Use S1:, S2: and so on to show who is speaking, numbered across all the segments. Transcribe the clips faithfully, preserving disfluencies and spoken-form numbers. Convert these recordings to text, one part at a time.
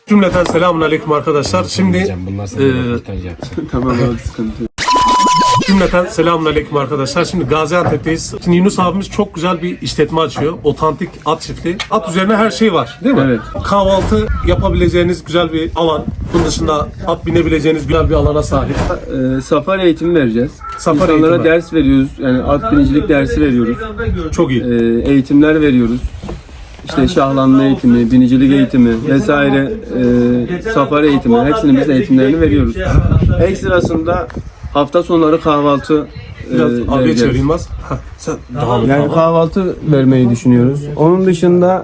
S1: Cümleten selamun aleyküm arkadaşlar. Şimdi e,
S2: Tamam abi, sıkıntı yok.
S1: cümleten selamun aleyküm arkadaşlar. Şimdi Gaziantep'teyiz. Şimdi Yunus abimiz çok güzel bir işletme açıyor. Otantik at çiftliği. At üzerine her şey var değil mi?
S2: Evet.
S1: Kahvaltı yapabileceğiniz güzel bir alan. Bunun dışında at binebileceğiniz güzel bir alana sahip.
S2: Ee, safari eğitimi vereceğiz.
S1: Safari
S2: İnsanlara
S1: eğitimi.
S2: ders veriyoruz. Yani at binicilik dersi veriyoruz.
S1: Çok iyi.
S2: Ee, eğitimler veriyoruz. İşte şahlanma eğitimi, binicilik eğitimi vesaire, e, safari eğitimi, hepsinin biz eğitimlerini veriyoruz. Ekstrasında hafta sonları kahvaltı e,
S1: Biraz abiye
S2: vereceğiz.
S1: çevireyim az. Heh, sen devam et.
S2: Yani
S1: abi.
S2: kahvaltı vermeyi düşünüyoruz. Onun dışında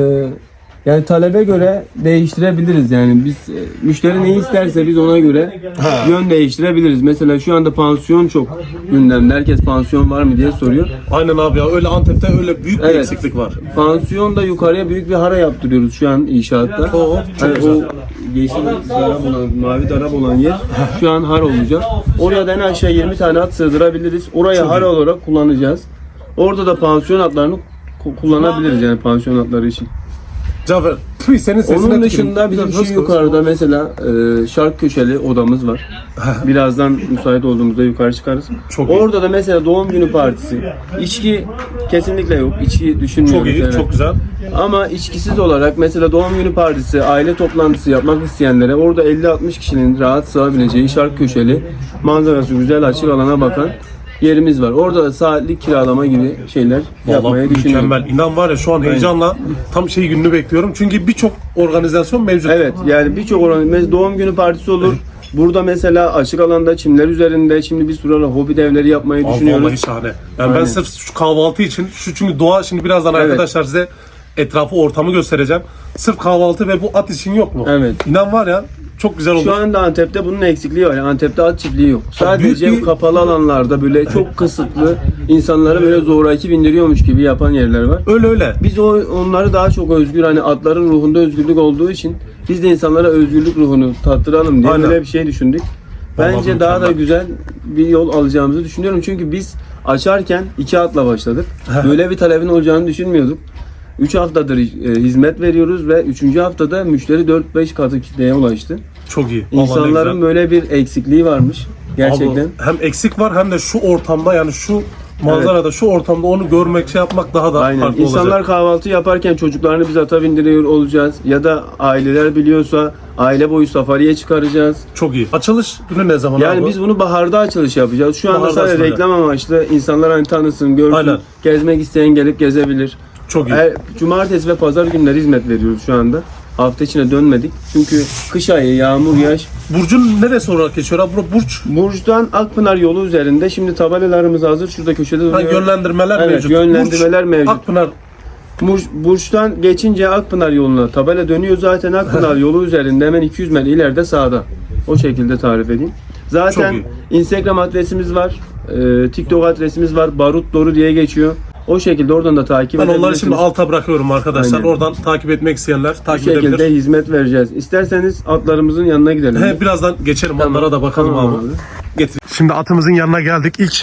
S2: e, yani talebe göre değiştirebiliriz. Yani biz e, müşteri ne isterse biz ona göre yön değiştirebiliriz. Mesela şu anda pansiyon çok gündemde. Herkes pansiyon var mı diye soruyor.
S1: Aynen abi ya, öyle Antep'te öyle büyük bir
S2: Evet.
S1: eksiklik var.
S2: Pansiyonda yukarıya büyük bir hara yaptırıyoruz şu an inşaatta.
S1: Oo, çok
S2: Hani
S1: güzel.
S2: o yeşil darab olan, mavi darab olan yer şu an har olacak. Oraya da en aşağı yirmi tane at sığdırabiliriz. Orayı har olarak kullanacağız. Orada da pansiyon atlarını ku- kullanabiliriz yani pansiyon atları için.
S1: Cafer, tüy senin sesine
S2: Onun
S1: tüküreyim.
S2: dışında bizim
S1: Biraz
S2: şu
S1: konuş.
S2: yukarıda mesela e, şark köşeli odamız var. Birazdan müsait olduğumuzda yukarı çıkarız.
S1: Çok iyi.
S2: Orada da mesela doğum günü partisi. İçki kesinlikle yok. İçki düşünmüyoruz.
S1: Çok iyi,
S2: evet.
S1: çok güzel.
S2: Ama içkisiz olarak mesela doğum günü partisi, aile toplantısı yapmak isteyenlere orada elli altmış kişinin rahat sığabileceği şark köşeli, manzarası güzel, açık alana bakan yerimiz var. Orada da saatlik kiralama gibi şeyler yapmayı
S1: Vallahi
S2: düşünüyorum.
S1: mükemmel. İnan var ya şu an heyecanla tam şey gününü bekliyorum. Çünkü birçok organizasyon mevcut.
S2: Evet, yani birçok oran mesela doğum günü partisi olur. Burada mesela açık alanda çimler üzerinde şimdi bir sürü hobi devleri yapmayı
S1: Aa,
S2: düşünüyoruz.
S1: vallahi şahane. Yani ben
S2: Aynen.
S1: sırf şu kahvaltı için, şu çünkü doğa şimdi birazdan
S2: Evet.
S1: arkadaşlar size etrafı, ortamı göstereceğim. Sırf kahvaltı ve bu at için yok mu?
S2: Evet.
S1: İnan var ya çok güzel olur.
S2: Şu anda Antep'te bunun eksikliği var. Yani Antep'te at çiftliği yok. Sadece
S1: büyük bir-
S2: kapalı alanlarda böyle çok kısıtlı insanları böyle zoraki bindiriyormuş gibi yapan yerler var.
S1: Öyle öyle.
S2: Biz o onları daha çok özgür, hani atların ruhunda özgürlük olduğu için biz de insanlara özgürlük ruhunu tattıralım diye
S1: Aynen.
S2: böyle bir şey düşündük. Bence
S1: Vallahi
S2: daha da
S1: mükemmel.
S2: güzel bir yol alacağımızı düşünüyorum. Çünkü biz açarken iki atla başladık. Böyle bir talebin olacağını düşünmüyorduk. üç haftadır e, hizmet veriyoruz ve üçüncü haftada müşteri dört beş katı kitleye ulaştı.
S1: Çok iyi. Vallahi ne
S2: İnsanların
S1: güzel.
S2: böyle bir eksikliği varmış. Gerçekten.
S1: Abi, hem eksik var hem de şu ortamda, yani şu manzarada, şu ortamda onu görmek, şey yapmak daha da
S2: Aynen.
S1: farklı
S2: İnsanlar
S1: olacak.
S2: kahvaltı yaparken çocuklarını biz ata bindiriyor olacağız. Ya da aileler biliyorsa aile boyu safariye çıkaracağız.
S1: Çok iyi. Açılış günü ne zaman
S2: Yani
S1: abi?
S2: biz bunu baharda açılış yapacağız. Şu anda
S1: Baharda
S2: sadece
S1: açılacak.
S2: reklam amaçlı insanlar hani tanısın, görsün.
S1: Aynen.
S2: Gezmek isteyen gelip gezebilir.
S1: Çok iyi.
S2: Her, cumartesi ve pazar günleri hizmet veriyoruz şu anda. Hafta içine dönmedik. Çünkü kış ayı, yağmur, yaş.
S1: Burcun neresi olarak geçiyor abi? Bura Burç.
S2: Burç'tan Akpınar yolu üzerinde. Şimdi tabelalarımız hazır. Şurada köşede duruyor.
S1: Ha, yönlendirmeler
S2: Evet,
S1: mevcut.
S2: yönlendirmeler
S1: Burç,
S2: mevcut.
S1: Akpınar.
S2: Burç, Burç'tan geçince Akpınar yoluna tabela dönüyor. Zaten Akpınar yolu üzerinde hemen iki yüz metre ileride sağda. O şekilde tarif edeyim. Zaten
S1: Çok
S2: Instagram adresimiz var. E, TikTok adresimiz var. Barut Doru diye geçiyor. O şekilde oradan da takip
S1: Ben onları
S2: edebilirsiniz.
S1: şimdi alta bırakıyorum arkadaşlar.
S2: Aynen.
S1: Oradan takip etmek isteyenler
S2: Bu
S1: takip
S2: şekilde
S1: edebilir.
S2: hizmet vereceğiz. İsterseniz atlarımızın yanına gidelim.
S1: He, birazdan geçelim,
S2: Tamam.
S1: onlara da bakalım
S2: Tamam
S1: abi.
S2: abi.
S1: Getir. Şimdi atımızın yanına geldik. İlk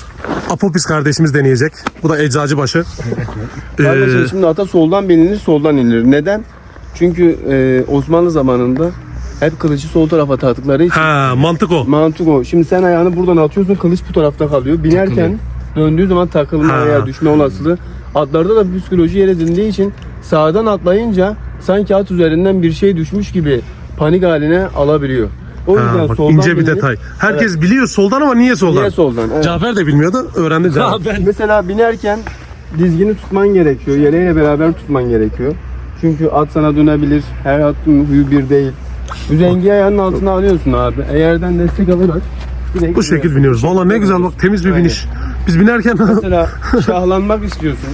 S1: Apopis kardeşimiz deneyecek. Bu da Eczacıbaşı.
S2: Kardeşim
S1: Ee,
S2: şimdi ata soldan binilir, soldan inilir. Neden? Çünkü e, Osmanlı zamanında hep kılıcı sol tarafa taktıkları için
S1: ha, mantık o.
S2: mantık o. Şimdi sen ayağını buradan atıyorsun, kılıç bu tarafta kalıyor. Binerken döndüğü zaman takılma
S1: Ha.
S2: veya düşme olasılığı. Atlarda da psikoloji yer edindiği için sağdan atlayınca sanki at üzerinden bir şey düşmüş gibi panik haline alabiliyor. O yüzden
S1: Ha, bak,
S2: soldan
S1: ince bir
S2: bilinir.
S1: detay. Herkes biliyor soldan ama niye soldan?
S2: Niye soldan? Evet.
S1: Cafer de bilmiyordu. Öğrendi Cafer.
S2: Mesela binerken dizgini tutman gerekiyor. Yeleğiyle beraber tutman gerekiyor. Çünkü at sana dönebilir. Her atın huyu bir değil. Üzengi ayağının altına alıyorsun abi. Eğerden destek alarak direkt
S1: Bu şekil biniyoruz. Valla ne güzel bak, temiz bir
S2: Aynen.
S1: biniş. Biz binerken
S2: Mesela şahlanmak istiyorsun.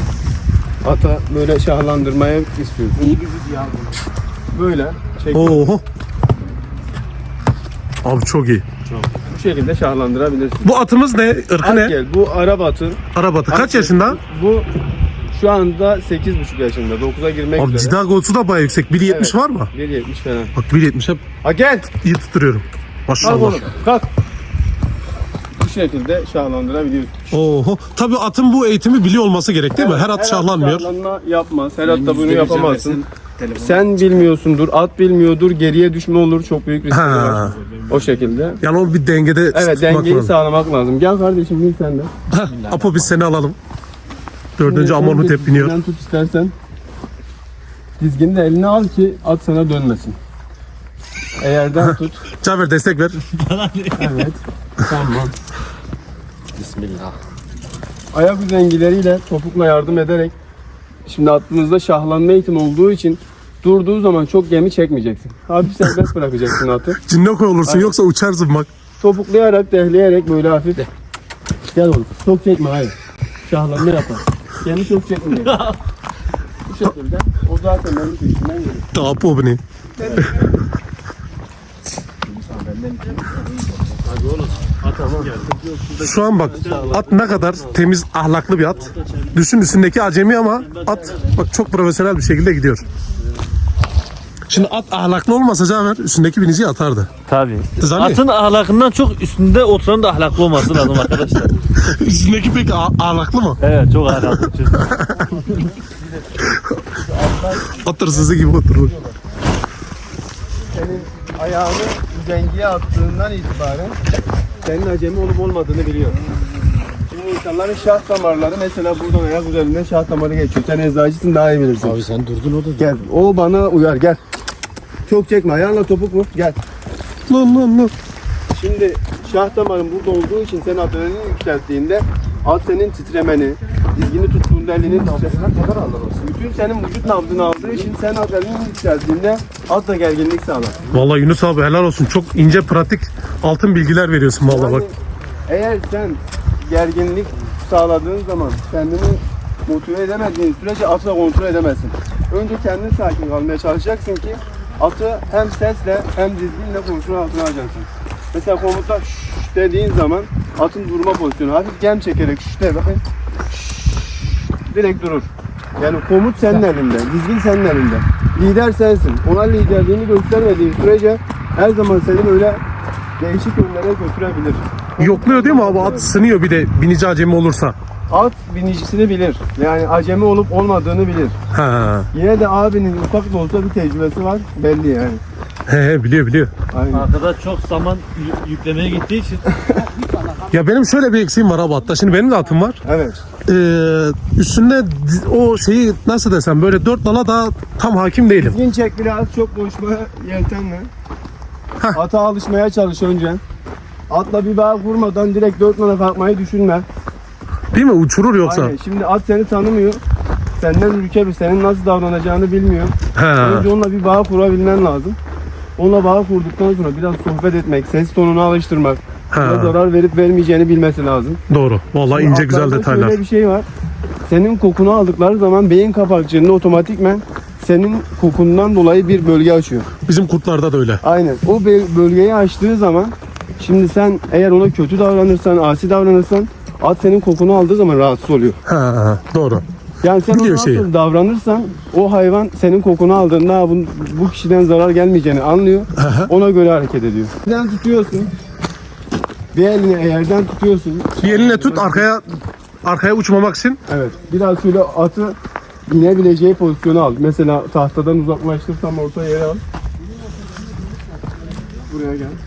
S2: Ata böyle şahlandırmaya istiyorsun. Böyle çek.
S1: oho. Abi çok iyi.
S2: Bu şekilde şahlandırabilirsin.
S1: Bu atımız ne? Irkı
S2: At
S1: ne?
S2: gel. Bu Arap atı.
S1: Arap atı. Kaç
S2: At
S1: yaşında?
S2: Bu şu anda sekiz buçuk yaşında. dokuza girmek
S1: Abi
S2: üzere.
S1: cidagosu da bayağı yüksek. bir yetmiş
S2: Evet.
S1: var mı?
S2: bir yetmiş falan.
S1: Bak bir yetmiş hep
S2: Ha gel.
S1: iyi tutturuyorum.
S2: Kalk
S1: Maşallah.
S2: oğlum. Kalk. Bu şekilde şahlandırabiliyorsun.
S1: Oho. Tabii atın bu eğitimi biliyor olması gerek değil mi? Her at şahlanmıyor.
S2: Şahlanma yapmaz. Her at da bunu yapamazsın. Sen bilmiyorsundur, at bilmiyordur, geriye düşme olur, çok büyük riskleri
S1: Ha.
S2: var. O şekilde.
S1: Yani o bir dengede
S2: Evet,
S1: tutmak
S2: dengeyi
S1: lazım.
S2: sağlamak lazım. Gel kardeşim, bin sen de.
S1: Heh, Apo biz seni alalım. Dördüncü
S2: Sen
S1: Amonut
S2: de
S1: hep biniyor.
S2: dizginden tut istersen. Dizgini de eline al ki at sana dönmesin. Eğerden tut.
S1: Cafer destek ver.
S2: Evet. Tamam.
S3: Bismillah.
S2: Ayak üzengileriyle topukla yardım ederek, şimdi attığınızda şahlanma eğitimi olduğu için durduğu zaman çok gemi çekmeyeceksin. Hafif serbest bırakacaksın atı.
S1: Cinnoko olursun yoksa uçarsın bak.
S2: Topuklayarak, dehleyerek böyle hafif. Gel oğlum. Çok çekme, hayır. Şahlanma yapar. Gemi çok çekmeyecek. Bu şekilde. O zaten benim peşimden gelir.
S1: Apo bu ne? Şu an bak at ne kadar temiz ahlaklı bir at. Düşün üstündeki acemi ama at bak çok profesyonel bir şekilde gidiyor. Şimdi at ahlaklı olmasa Cafer üstündeki biniciyi atardı.
S3: Tabii.
S1: Zanni.
S3: Atın ahlakından çok üstünde oturan da ahlaklı olması lazım arkadaşlar.
S1: Üstündeki pek a- ahlaklı mı?
S3: Evet, çok ahlaklı.
S2: Atlar
S1: At hırsızı gibi oturur.
S2: senin ayağını üzengiye attığından itibaren senin acemi olup olmadığını biliyor. Şimdi insanların şah damarları, mesela buradan ayak üzerinden şah damarı geçiyor. Sen eczacısın, daha iyi bilirsin.
S3: Abi sen durdun orada.
S2: Gel. O bana uyar, gel. Çok çekme. Ayağınla topuk mu? Gel.
S1: Lan lan lan.
S2: Şimdi şah damarın burada olduğu için sen adrenalini yükselttiğinde at senin titremeni, dizgini tuttuğunda elinin titresine kadar alır olsun. Bütün senin vücut nabzını aldığı için sen adrenalini yükselttiğinde at da gerginlik sağlar.
S1: Vallahi Yunus abi helal olsun. Çok ince pratik altın bilgiler veriyorsun vallahi bak.
S2: Yani eğer sen gerginlik sağladığın zaman kendini motive edemediğin sürece atı da kontrol edemezsin. Önce kendin sakin kalmaya çalışacaksın ki atı hem sesle hem dizginle kontrol altına alacaksın. Mesela komutta şşş dediğin zaman atın durma pozisyonu hafif gem çekerek şşş de bakın, şşş, direkt durur. Yani komut senin elinde, dizgin senin elinde. Lider sensin. Ona liderliğini göstermediğin sürece her zaman seni böyle değişik yönlere götürebilir.
S1: Yokluyor değil mi abi? At sınıyor bir de binici acemi olursa.
S2: At binicisini bilir. Yani acemi olup olmadığını bilir.
S1: Ha.
S2: Yine de abinin ufak da olsa bir tecrübesi var. Belli yani.
S1: He he biliyor biliyor.
S2: Aynen.
S3: Arkada çok zaman yü- yüklemeye gittiği için
S1: Ya benim şöyle bir eksiğim var abi hatta. Şimdi benim de atım var.
S2: Evet.
S1: Ee, üstünde di- o şeyi nasıl desem böyle dört nala daha tam hakim değilim.
S2: Dizgin çek biraz, çok koşma yeltenle. Ata alışmaya çalış önce. Atla bir bağ kurmadan direkt dört nala kalkmayı düşünme.
S1: Değil mi? Uçurur yoksa.
S2: Aynen. Şimdi at seni tanımıyor. Senden ülke bir, senin nasıl davranacağını bilmiyor.
S1: He.
S2: Önce onunla bir bağ kurabilmen lazım. Onunla bağ kurduktan sonra biraz sohbet etmek, ses tonunu alıştırmak,
S1: He.
S2: ona zarar verip vermeyeceğini bilmesi lazım.
S1: Doğru. Vallahi ince güzel
S2: Atlarda
S1: detaylar.
S2: Şöyle bir şey var. Senin kokunu aldıkları zaman beyin kapakçığında otomatikmen senin kokundan dolayı bir bölge açıyor.
S1: Bizim kurtlarda da öyle.
S2: Aynen. O be- bölgeyi açtığı zaman şimdi sen eğer ona kötü davranırsan, asi davranırsan at senin kokunu aldığı zaman rahatsız oluyor.
S1: Ha, doğru.
S2: Yani sen ona
S1: Biliyor
S2: nasıl
S1: şeyi.
S2: davranırsan o hayvan senin kokunu aldığında "Ha, bu, bu kişiden zarar gelmeyeceğini anlıyor. Ona göre hareket ediyor. Yerden tutuyorsun. Bir elini eğerden tutuyorsun.
S1: Bir elinle tut arkaya arkaya uçmamak için.
S2: Evet. Biraz şöyle atı inebileceği pozisyonu al. Mesela tahtadan uzaklaştırsam orta yere al. Buraya gel.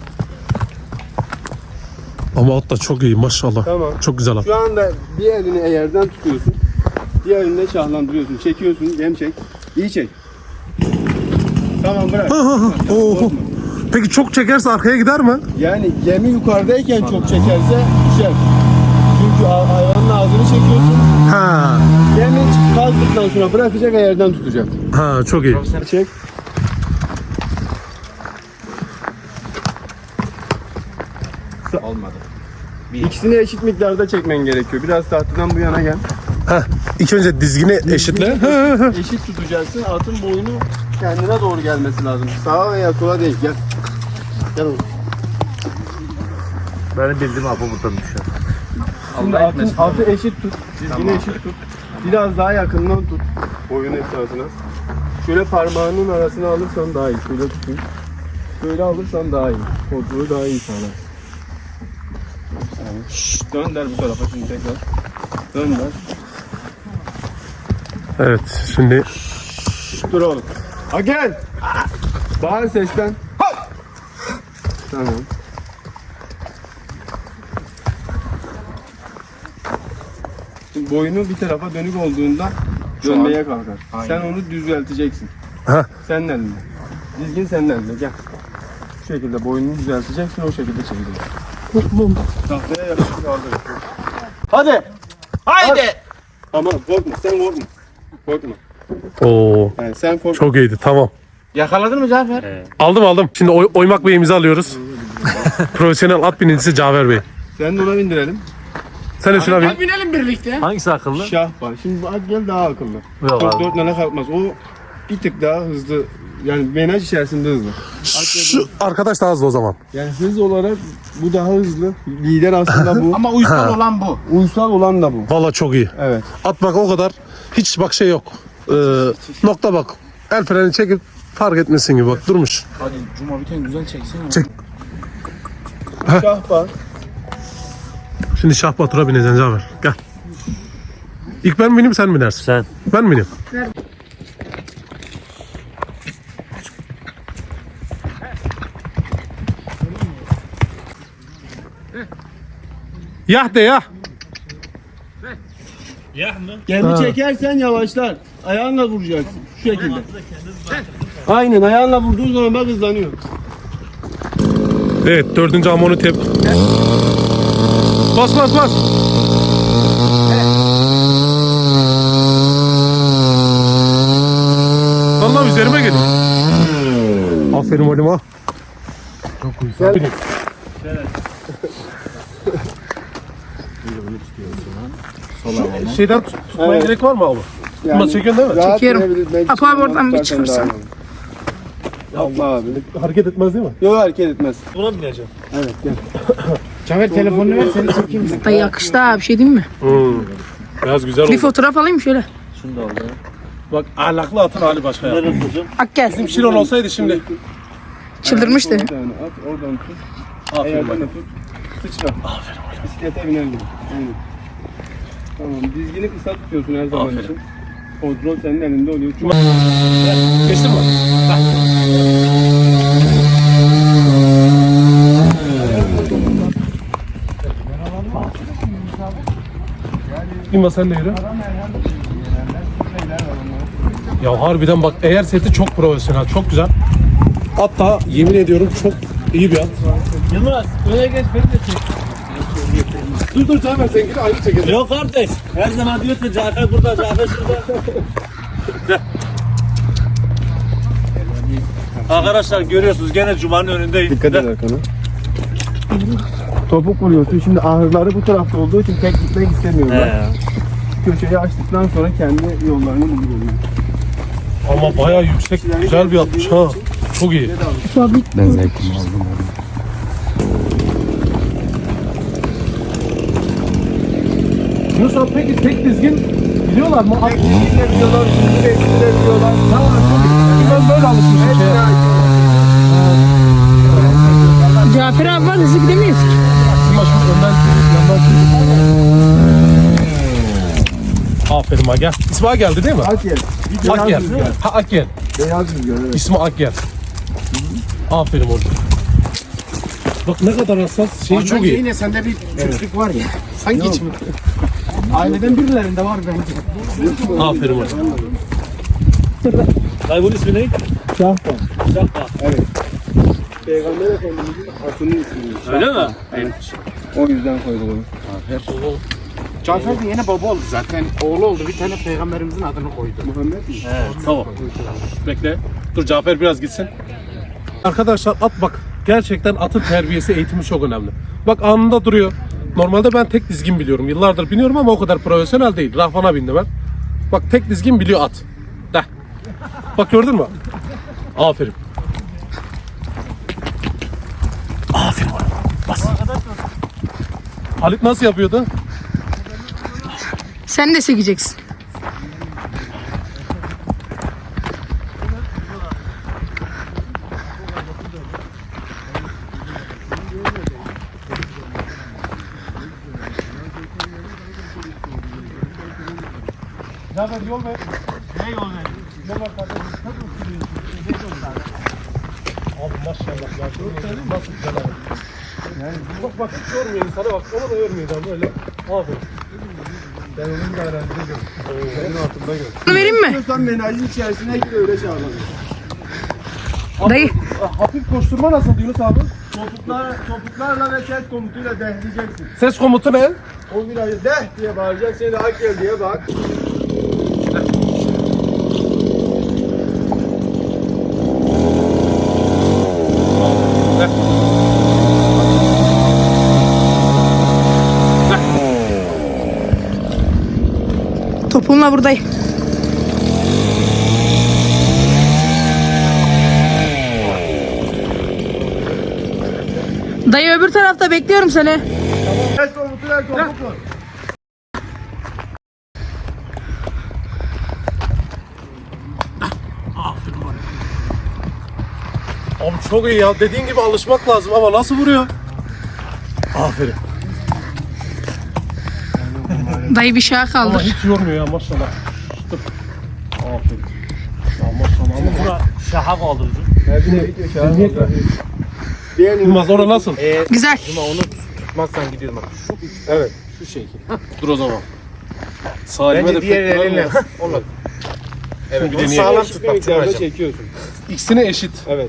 S1: Ama at da çok iyi maşallah.
S2: Tamam.
S1: Çok güzel at.
S2: Şu anda bir elini eğerden tutuyorsun. Diğer elinde şahlandırıyorsun. Çekiyorsun. Gem çek. İyi çek. Tamam bırak.
S1: Oho. Peki çok çekerse arkaya gider mi?
S2: Yani gemi yukarıdayken çok çekerse düşer. Çünkü a- hayvanın ağzını çekiyorsun.
S1: Ha.
S2: Gemi kalktıktan sonra bırakacak, eğerden tutacak.
S1: Ha çok iyi.
S2: Çek.
S3: olmadı.
S2: İkisini eşit miktarda çekmen gerekiyor. Biraz tahtadan bu yana gel.
S1: Heh. İlk önce dizgini eşitle.
S2: Eşit tutacaksın. Atın boynu kendine doğru gelmesi lazım. Sağa veya sola değil. Gel. Gel oğlum.
S3: Benim bildiğim apı buradan düşer.
S2: Şimdi atın, atı eşit tut. Dizgini eşit tut. Biraz daha yakından tut. Boyun esasına. Şöyle parmağının arasına alırsan daha iyi. Şöyle tutun. Böyle alırsan daha iyi. Kontrolü daha iyi sağlar. Dönder bu tarafa şimdi tekrar. Dönder.
S1: Evet şimdi
S2: Dur oğlum. Ha gel. Bağır sesten. Ha! Tamam. Şimdi boynu bir tarafa dönük olduğunda dönmeye kalkar. Sen onu düzelteceksin.
S1: ha
S2: Senin elinde. Dizgin senin elinde. Gel. Şu şekilde boynunu düzelteceksin, o şekilde çevireceksin. Tahtaya yakışık kaldır. Hadi.
S3: Haydi.
S2: Aman korkma, sen korkma. Korkma.
S1: Oo
S2: Yani sen korkma.
S1: çok iyiydi, tamam.
S3: Yakaladın mı Cafer?
S1: Aldım aldım. Şimdi oy- oymak beyimizi alıyoruz. Profesyonel at binicisi Cafer Bey.
S2: Sen de ona bindirelim.
S1: Sen de şuna bin.
S4: Binelim birlikte.
S3: Hangisi akıllı?
S2: Şah var. Şimdi bu at gel daha akıllı.
S3: Yok
S2: Çok
S3: abi.
S2: dört nane kalkmaz. O bir tık daha hızlı. Yani menaj içerisinde hızlı.
S1: Şu arkadaş daha hızlı o zaman.
S2: Yani hız olarak bu daha hızlı. Lider aslında bu.
S4: Ama uysal olan bu.
S2: Uysal olan da bu.
S1: Valla çok iyi.
S2: Evet.
S1: At bak o kadar. Hiç bak şey yok. Ee, nokta bak. El freni çekip fark etmesin gibi bak durmuş.
S4: Hadi Cuma bir tane güzel çeksene.
S1: Çek.
S2: Şah var.
S1: Şimdi Şah Batur'a bineceksin Cafer. Gel. İlk ben bineyim sen binersin.
S3: Sen.
S1: Ben mi bineyim? Yah de ya.
S2: Kendi çekersen yavaşlar. Ayağınla vuracaksın. Şu şekilde. Aynen ayağınla vurduğun zaman bak hızlanıyor.
S1: Evet dördüncü amonu tep. Bas bas bas. Allah üzerime geliyor. Aferin oğlum ha. Çok güzel. Şeyden tut, tutmaya
S2: Evet.
S1: gerek var mı abi? Tutma çekiyorsun değil mi?
S2: Rahat
S4: Çekiyorum.
S2: binebilirsin.
S4: Apo abi oradan bir
S2: Zaten
S4: çıkırsan.
S2: daha iyi. Allah abi.
S1: Hareket etmez değil mi?
S2: Yok hareket etmez.
S3: Buna mı bineceğim?
S2: Evet gel.
S4: Cafer telefonunu ver seni çekeyim. Da yakıştı ha, bir şey diyeyim mi?
S1: Hmm. Biraz güzel
S4: Bir
S1: oldu.
S4: fotoğraf alayım şöyle.
S3: Şunu da al ya.
S1: Bak ahlaklı atın hali başka ya.
S3: Nereye tutacağım?
S4: Ak gel.
S1: Bizim Şiron olsaydı şimdi.
S4: Çıldırmıştı.
S2: Bir tane at oradan tut.
S1: Aferin
S2: Ayağını
S1: bak.
S2: tut. Sıçra. Aferin. Bisiklete biner gibi. Aynen. Tamam dizgini kısa tutuyorsun her zaman
S1: Aferin.
S2: için. Kontrol senin elinde oluyor. Çok
S1: Geçtin mi? İmma sen de yürü. Ya harbiden bak eğer seti çok profesyonel, çok güzel. Hatta yemin ediyorum çok iyi bir at.
S3: Yılmaz öne geç beni de çek.
S1: Dur dur Cafer sen gir ayrı çekelim.
S3: Yok kardeş. Her zaman diyorsun Cafer burada, Cafer şurada. Gel. Arkadaşlar görüyorsunuz gene Cuma'nın önündeyim.
S2: Dikkat et arkana. Topuk vuruyorsun. Şimdi ahırları bu tarafta olduğu için tek gitmek istemiyorlar.
S3: He.
S2: Köşeyi açtıktan sonra kendi yollarını buluyorlar.
S1: Ama bayağı yüksek, güzel bir atmış ha. Çok iyi.
S2: Ben zevkimi aldım.
S1: Yunus abi peki tek dizgin biliyorlar mı? At-
S2: Tek gitmek biliyorlar, şimdi de biliyorlar.
S1: Tamam çok iyi. Ben böyle alışmışım şeye.
S4: Cafer abi var, hızlı gidemeyiz.
S1: Ama şimdi önden yandan Aferin ha gel. İsmi geldi değil mi?
S2: Akyel.
S1: Akgel. Ha Akgel.
S2: Beyaz rüzgar evet.
S1: İsmi Akgel. Aferin oğlum. Bak ne kadar hassas. Şeyi çok iyi.
S4: Yine sende bir Türklük var ya. Sanki hiç mi? Aileden birilerinde var bence.
S1: Aferin oğlum.
S3: Dayı bunun ismi ne?
S2: Şahban.
S3: Şahba.
S2: Evet. Peygamber Efendimiz'in atının ismi.
S3: Öyle mi?
S2: O yüzden koydum onu.
S4: Cafer de yine baba oldu zaten. Oğlu oldu, bir tane peygamberimizin adını koydu.
S2: Muhammed mi?
S3: He, tamam.
S1: Bekle. Dur Cafer biraz gitsin. Arkadaşlar at bak. Gerçekten atın terbiyesi, eğitimi çok önemli. Bak anında duruyor. Normalde ben tek dizgin biliyorum. Yıllardır biniyorum ama o kadar profesyonel değil. Rahvana bindi ben. Bak tek dizgin biliyor at. De. Bak gördün mü? Aferin. Aferin oğlum. Bas. Halit nasıl yapıyordu?
S4: Sen de sekeceksin.
S1: Birader yol ver.
S3: Ne yol ver?
S1: Yol ver kardeşim. Abi maşallah ya. Gördün nasıl güzel abi. Yani bak bak hiç yormuyor insana bak. Onu da yormayacağım böyle. Abi. Ben onun da öğrencide gördüm. Senin altında gördüm.
S5: Bunu vereyim mi?
S2: Sen menajin içerisine gir öyle çağıralım.
S5: Dayı.
S1: Hafif koşturma nasıl Yunus abi?
S2: Topuklar, topuklarla ve ses komutuyla dehleyeceksin.
S1: Ses komutu ne?
S2: O virajı deh diye bağıracak, seni hak gel diye bak.
S5: Topuğunla buradayım. Dayı öbür tarafta bekliyorum seni.
S2: Ses komutuyla topuk vur.
S1: Abi çok iyi ya. Dediğin gibi alışmak lazım ama nasıl vuruyor? Aferin.
S5: Dayı bir şaha
S1: Ama
S5: kaldır.
S1: hiç yormuyor ya maşallah. Dur. Aferin. Ya maşallah ama
S3: Buna şaha kaldırıcı.
S2: Diğer
S1: Yılmaz orada nasıl?
S5: Güzel.
S3: Onu tutmazsan gidiyorum bak. Şu,
S1: Evet.
S3: şu şekil.
S1: Dur o zaman. Salime de
S3: Bence diğer
S1: pek
S3: elinle.
S1: güvenmiyor.
S3: Olur. Evet.
S1: Bir
S3: Onu
S1: deneyelim.
S3: sağlam tut bak. Çok acayip.
S2: çekiyorsun.
S1: İkisine eşit.
S2: Evet.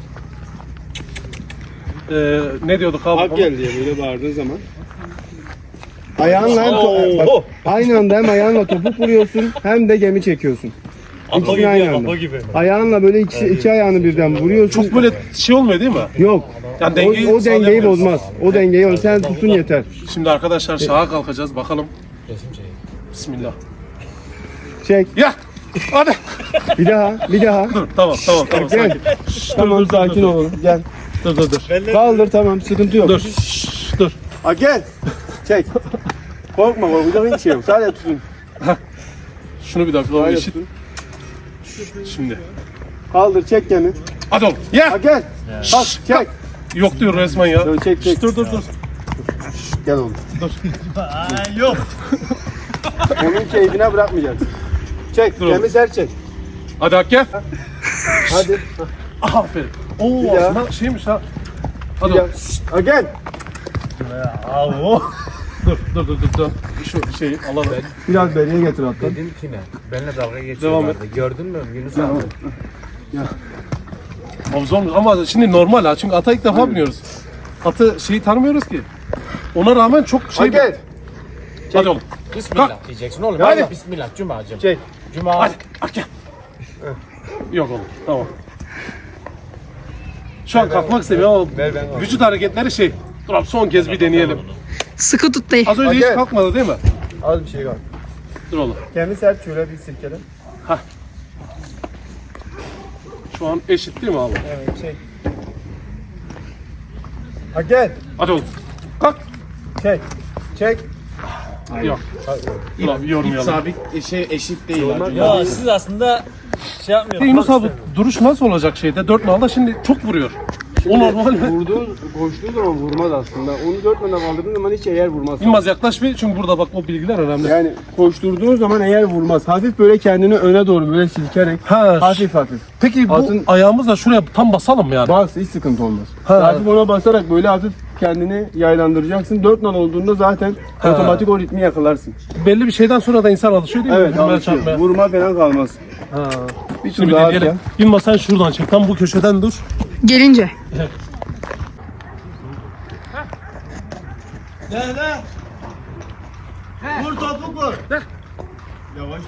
S1: Ee, ne diyorduk abi?
S2: Hak gel diye böyle bağırdığın zaman. Ayağınla hem
S1: Oo.
S2: to- bak, aynı anda hem ayağınla topuk vuruyorsun hem de gemi çekiyorsun. İkisini aynı anda.
S3: gibi.
S2: Ayağınla böyle iki, iki ayağını birden vuruyorsun.
S1: Çok böyle şey olmuyor değil mi?
S2: Yok.
S1: Yani
S2: O,
S1: dengeyi
S2: o dengeyi
S1: sağlayamıyoruz.
S2: bozmaz. O dengeyi sen tutun yeter.
S1: Şimdi arkadaşlar şaha kalkacağız bakalım. Bismillah.
S2: Çek.
S1: Ya! Hadi!
S2: Bir daha. Bir daha.
S1: Dur tamam tamam tamam
S2: Gel.
S1: sakin.
S2: Tamam sakin olun. Gel.
S1: Dur dur dur.
S2: Kaldır tamam sıkıntı yok.
S1: Dur. Şşş, dur.
S2: Ha gel. Çek. Korkma korkacak hiçbir şey yok. Sadece tutun.
S1: Şunu bir dakika o
S2: Sadece
S1: eşit.
S2: tutun.
S1: Şimdi.
S2: Kaldır çek gemi.
S1: Hadi oğlum.
S2: Ha
S1: Ya!
S2: gel. Kalk çek.
S1: Yok diyor resmen ya.
S2: Dur, çek çek.
S1: Dur dur dur.
S2: Gel oğlum.
S3: Yok.
S2: Onun keyfine bırakmayacaksın. Çek.
S1: Dur.
S2: Gemi sert çek.
S1: Hadi Hak gel.
S2: Hadi.
S1: Aferin. Oo
S2: Bir daha.
S1: aslında şeymiş ha. Hadi
S2: Gel.
S1: oğlum.
S2: Ha gel.
S3: Abi o.
S1: Dur dur dur dur. dur. Şu şeyi alalım.
S2: Biraz beriye getir hatta.
S6: Dedim ki ne? Benimle dalga
S1: Devam
S6: geçiyorlardı. Gördün mü Yunus abi?
S1: Abi zormuş ama şimdi normal ha çünkü ata ilk defa biniyoruz. Atı şeyi tanımıyoruz ki. Ona rağmen çok
S2: Ha
S1: şey...
S2: gel.
S1: Hadi oğlum.
S6: Bismillah diyeceksin oğlum.
S2: Hadi.
S6: Hadi. Bismillah Cuma'cığım.
S2: Çek.
S6: Cuma.
S1: Hadi. Hadi gel. Yok oğlum. Tamam. Şu an kalkmak istemiyorum ama vücut hareketleri şey. Dur abi son kez bir deneyelim.
S5: Sıkı tut dayı.
S1: Az önce
S2: Hadi
S1: hiç
S2: gel.
S1: kalkmadı değil mi?
S2: Az bir şey var.
S1: Dur oğlum.
S2: Gemi sert şöyle bir silkele.
S1: Şu an eşit değil mi abi?
S2: Evet çek. Ha gel.
S1: Hadi oğlum. Kalk.
S2: Çek. Çek.
S1: Yok. Dur abi yormayalım.
S6: Sabit şey eşit değil.
S3: Ya siz aslında şey yapmıyorsunuz.
S1: Yunus abi duruş nasıl olacak şeyde? Dört nalda şimdi çok vuruyor. O normal mi?
S2: Vurduğun, koştuğu zaman vurmaz aslında. Onu dört manda kaldırdığın zaman hiç eğer vurmaz.
S1: Yılmaz yaklaş bir çünkü burada bak o bilgiler önemli.
S2: Yani koşturduğun zaman eğer vurmaz. Hafif böyle kendini öne doğru böyle silkerek.
S1: Ha,
S2: Hafif hafif.
S1: Peki bu
S2: Atın-
S1: ayağımızla şuraya tam basalım mı yani?
S2: Bas hiç sıkıntı olmaz.
S1: Ha.
S2: Hafif ona basarak böyle hafif kendini yaylandıracaksın. Dört nal olduğunda zaten
S1: Ha.
S2: otomatik o ritmi yakalarsın.
S1: Belli bir şeyden sonra da insan alışıyor değil mi?
S2: Evet
S1: Vurmaya,
S2: alışıyor.
S1: çarpmaya.
S2: Vurma falan kalmaz.
S1: Ha.
S2: Bir
S1: Şimdi
S2: tur
S1: bir
S2: daha
S1: deneyelim.
S2: atacağım.
S1: Yılmaz sen şuradan çek. Tam bu köşeden dur.
S5: Gelince.
S3: Ne ne? Vur topu vur.
S2: Yavaş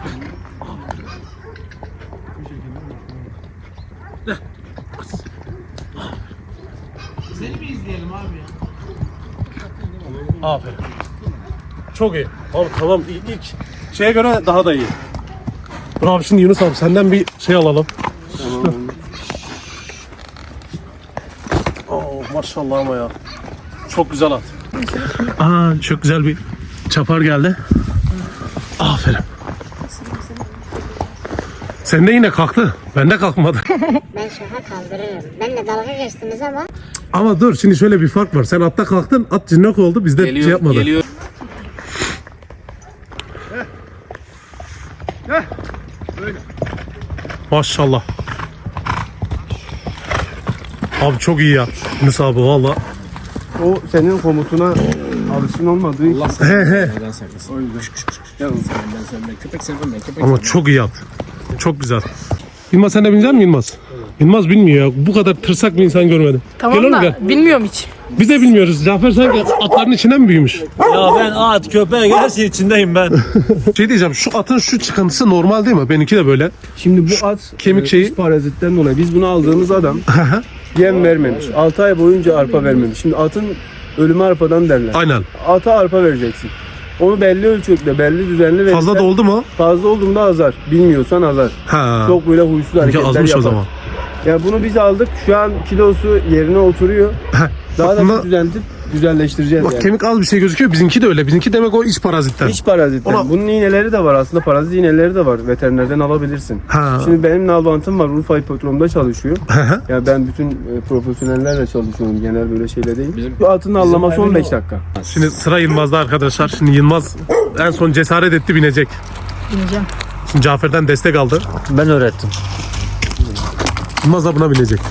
S1: Aferin. Çok iyi. Abi tamam ilk, ilk şeye göre daha da iyi. Dur abi şimdi Yunus abi senden bir şey alalım.
S2: Tamam.
S1: Oo maşallah ama ya. Çok güzel at. Aa çok güzel bir çapar geldi. Aferin. Sen de yine kalktı. Ben de kalkmadı.
S7: Ben şaha kaldırırım. Benimle dalga geçtiniz ama
S1: Ama dur şimdi şöyle bir fark var. Sen atta kalktın, at cinnak oldu. Bizde
S6: Geliyor,
S1: şey yapmadı.
S6: geliyor.
S1: Heh. Maşallah. Abi çok iyi ya. Yunus abi valla.
S2: O senin komutuna alışkın olmadığı için.
S1: He he.
S6: Neden saklasın? Yalnız ben sevmem. Köpek sevmem ben. Köpek
S1: Ama çok iyi at. Çok güzel. Yılmaz sen de binecek misin Yılmaz? Yılmaz bilmiyor ya. Bu kadar tırsak bir insan görmedim.
S5: Tamam
S1: Gel oğlum,
S5: da
S1: gel.
S5: bilmiyorum hiç.
S1: Biz de bilmiyoruz. Cafer sanki atların içinden mi büyümüş?
S3: Ya ben at, köpek her şey içindeyim ben.
S1: Şey diyeceğim, şu atın şu çıkıntısı normal değil mi? Benimki de böyle.
S2: Şimdi bu at
S1: kemik
S2: e,
S1: şeyi-
S2: iç parazitten dolayı biz bunu aldığımız adam yem vermemiş. altı ay boyunca arpa vermemiş. Şimdi atın ölümü arpadan derler.
S1: Aynen.
S2: Ata arpa vereceksin. Onu belli ölçekte, belli düzenli verirsen
S1: Fazla da oldu mu?
S2: fazla olduğunda azar. Bilmiyorsan azar.
S1: Ha.
S2: Çok böyle huysuz
S1: Benimki
S2: hareketler
S1: azmış
S2: yapar.
S1: o zaman.
S2: Ya bunu biz aldık. Şu an kilosu yerine oturuyor. Daha da
S1: bunda-
S2: bir düzenleyip güzelleştireceğiz
S1: Bak
S2: yani.
S1: kemik az bir şey gözüküyor. Bizimki de öyle. Bizimki demek o iç parazitten.
S2: Hiç parazitten.
S1: Ona-
S2: Bunun iğneleri de var aslında. Parazit iğneleri de var. Veterinerden alabilirsin.
S1: Ha.
S2: Şimdi benim nalbantım var. Urfa Hipodrom'da çalışıyor.
S1: Hı hı.
S2: Ya ben bütün e, profesyonellerle çalışıyorum. Genel böyle şeyle değil. Bu atın allaması on beş dakika.
S1: Şimdi sıra Yılmaz'da arkadaşlar. Şimdi Yılmaz en son cesaret etti, binecek.
S5: Bineceğim.
S1: Şimdi Cafer'den destek aldı.
S3: Ben öğrettim.
S1: Yılmaz da buna binecek.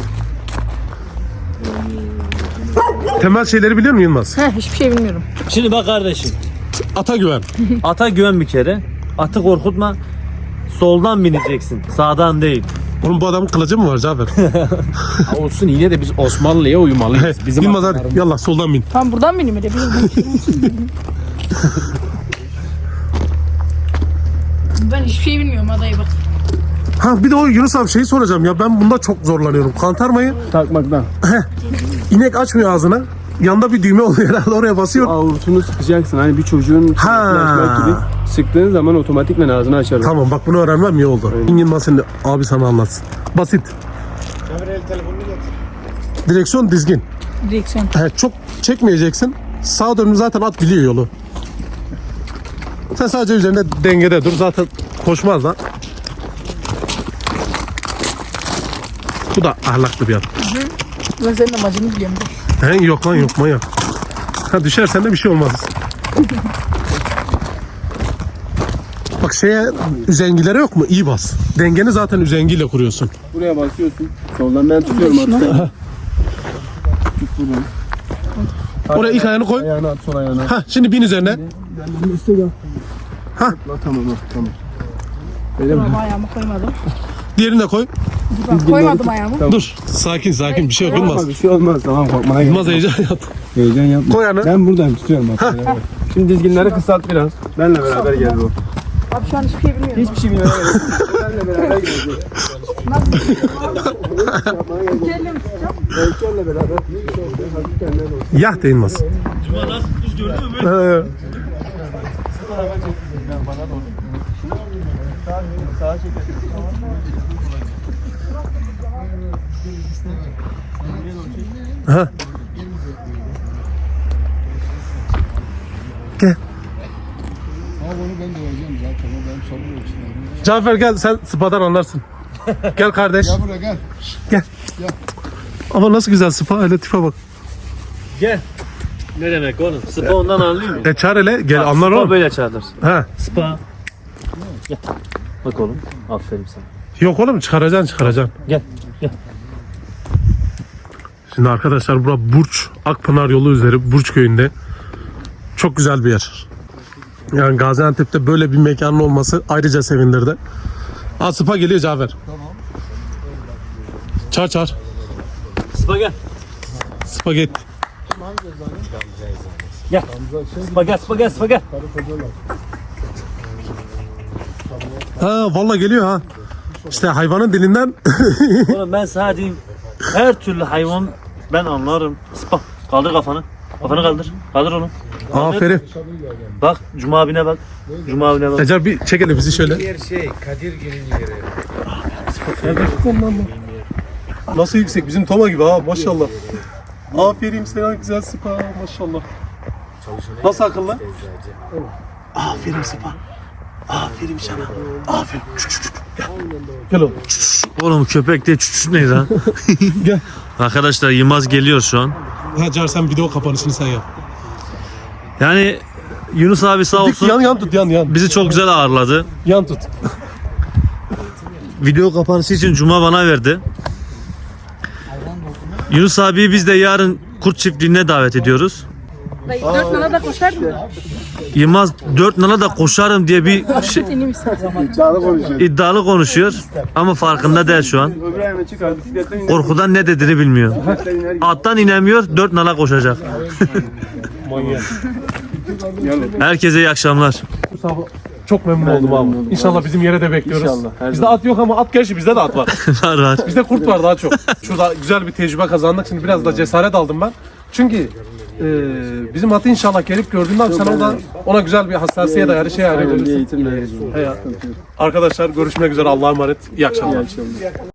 S1: Temel şeyleri biliyor musun Yılmaz?
S5: Heh, hiçbir şey bilmiyorum.
S3: Şimdi bak kardeşim.
S1: Ata güven.
S3: Ata güven bir kere. Atı korkutma. Soldan bineceksin. Sağdan değil.
S1: Oğlum bu adamın kılıcı mı var Cafer?
S6: Ha, olsun yine de biz Osmanlı'ya uymalıyız. Bizim
S1: Yılmaz hadi yallah soldan bin.
S5: Tamam buradan bineyim öyle. Ben hiçbir şey bilmiyorum adayı bak.
S1: Ha bir de o Yunus abi şeyi soracağım ya, ben bunda çok zorlanıyorum. Kantarmayı
S2: Takmaktan.
S1: inek açmıyor ağzına. Yanda bir düğme oluyor herhalde, oraya basıyor.
S2: Avurtunu sıkacaksın. Hani bir çocuğun
S1: Ha.
S2: çenesini açmak gibi. Sıktığın zaman otomatikman ağzını açar.
S1: Tamam bak bunu öğrenmem iyi oldu. Yılmaz şimdi abi sana anlatsın. Basit. Direksiyon dizgin.
S5: Direksiyon.
S1: He, çok çekmeyeceksin. Sağa dönüm zaten at biliyor yolu. Sen sadece üzerinde dengede dur, zaten koşmaz da. Bu da ahlaklı bir at.
S5: Ben senin amacını biliyorum.
S1: He, yok lan yok manyak. Ha, düşersen de bir şey olmaz. Bak şeye, üzengilere yok mu? İyi bas. Dengeni zaten üzengiyle kuruyorsun.
S2: Buraya basıyorsun. Soldan ben tutuyorum atı.
S1: Oraya ilk ayağını koy.
S2: Ayağını at, sol ayağını at.
S1: Ha, şimdi bin üzerine. Ha.
S2: Tamam tamam. tamam.
S5: Tamam ayağımı koymadım.
S1: Diğerini de koy.
S5: Bak, koymadım ayağımı.
S1: Dur. Sakin sakin, bir şey yok Yılmaz.
S2: Bir şey olmaz. Tamam korkmana gerek
S1: Yılmaz
S2: yok.
S1: heyecan yap.
S2: Heyecan yapma.
S1: Koy ayağını.
S2: Ben buradan tutuyorum bak. Şimdi dizginleri kısalt biraz. Benle beraber gel bu.
S5: Abi şu an hiçbir şey bilmiyorum.
S2: Hiçbir şey bilmiyorum. Benle beraber gelecek. Heykelle beraber. Hafif kendine doğru.
S1: Yah de Yılmaz.
S3: Cuma nasıl düz gördün mü?
S1: He. Ha. Gel. Cafer gel, sen spadan anlarsın. Gel kardeş. Gel buraya gel. Gel. Ama nasıl güzel spa, öyle tipe bak.
S3: Gel. Ne demek oğlum? Spa ondan anlıyor musun?
S1: E çağır hele, gel anlar
S3: Spa
S1: oğlum.
S3: böyle çağırır.
S1: Ha.
S3: Spa. Gel. Bak oğlum. Aferin sana.
S1: Yok oğlum, çıkaracaksın çıkaracaksın.
S3: Gel. Gel.
S1: Şimdi arkadaşlar bura Burç, Akpınar yolu üzeri Burç köyünde. Çok güzel bir yer. Yani Gaziantep'te böyle bir mekanın olması ayrıca sevindirdi. Aa, spa geliyor Cafer. Tamam. Çağır çağır.
S3: Spa gel.
S1: Spagetti.
S3: Gel. Spa gel. Spa gel. Spa gel.
S1: Ha vallahi geliyor ha. İşte hayvanın dilinden.
S3: Oğlum ben sana diyeyim. Her türlü hayvan ben anlarım. Spa. Kaldır kafanı. Kafanı kaldır. Kaldır onu.
S1: Aferin.
S3: Bak Cuma abine bak. Cuma abine bak.
S1: Ecel bir çekelim bizi şöyle.
S6: Yer şey Kadirgil'in yeri.
S1: Nasıl yüksek, bizim Toma gibi ha maşallah. Aferin sana, güzel spa maşallah. Nasıl akıllı? Aferin spa. Aferin sana. Aferin. Gel. Gel oğlum.
S3: Oğlum köpek diye çüçüt neydi ha?
S1: Gel.
S3: Arkadaşlar Yılmaz geliyor şu an.
S1: Ha Car, sen video kapanışını sen yap.
S3: Yani Yunus abi sağ
S1: Dik,
S3: olsun
S1: yan yan tut, yan yan.
S3: bizi çok güzel ağırladı.
S1: Yan tut.
S3: video kapanışı için Cuma bana verdi. Yunus abiyi biz de yarın kurt çiftliğine davet ediyoruz.
S5: Dayı dört nala da koşar mı?
S3: Yılmaz dört nala da koşarım diye bir şey,
S5: Seni istersen.
S3: iddialı konuşuyor ama farkında değil şu an.
S2: Öbür ayağına çıkar bisikletten iner.
S3: Korkudan ne dediğini bilmiyor. Attan inemiyor, dört nala koşacak. Herkese iyi akşamlar.
S1: Çok memnun oldum abi. İnşallah bizim yere de bekliyoruz.
S2: İnşallah, her
S1: Bizde at yok ama at gerçi bizde de at var.
S3: Var var.
S1: Bizde kurt var daha çok. Şurada güzel bir tecrübe kazandık. Şimdi biraz da cesaret aldım ben. Çünkü e, bizim atı inşallah gelip gördüğünde abi sen oradan ona güzel bir hassasiyet ayarı şey
S2: Aynen, bir
S1: ayarlayabilirsin.
S2: eğitim veririz.
S1: Arkadaşlar görüşmek üzere. Allah'a emanet. İyi akşamlar.